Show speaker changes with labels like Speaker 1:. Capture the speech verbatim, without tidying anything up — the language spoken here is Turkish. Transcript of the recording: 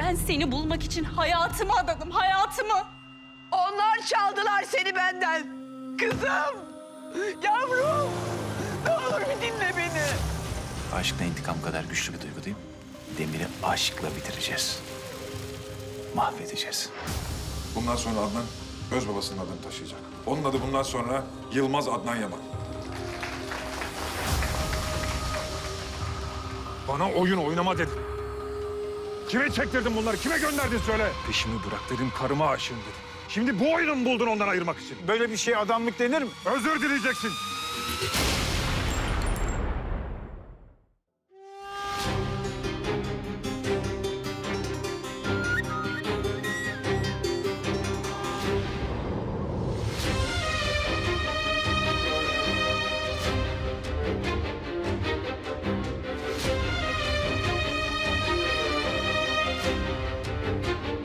Speaker 1: Ben seni bulmak için hayatımı adadım, hayatımı.
Speaker 2: Onlar çaldılar seni benden. Kızım, yavrum. Ne olur bir dinle beni.
Speaker 3: Aşkla intikam kadar güçlü bir duygu değil mi? Demir'i aşkla bitireceğiz. Mahvedeceğiz.
Speaker 4: Bundan sonra Adnan öz babasının adını taşıyacak. Onun adı bundan sonra Yılmaz Adnan Yaman.
Speaker 5: Bana oyun oynama dedin. Kime çektirdin bunları? Kime gönderdin söyle. Peşimi bırak dedim, karıma aşığım dedim. Şimdi bu oyunu mu buldun ondan ayırmak için?
Speaker 6: Böyle bir şey adamlık denir mi?
Speaker 5: Özür dileyeceksin.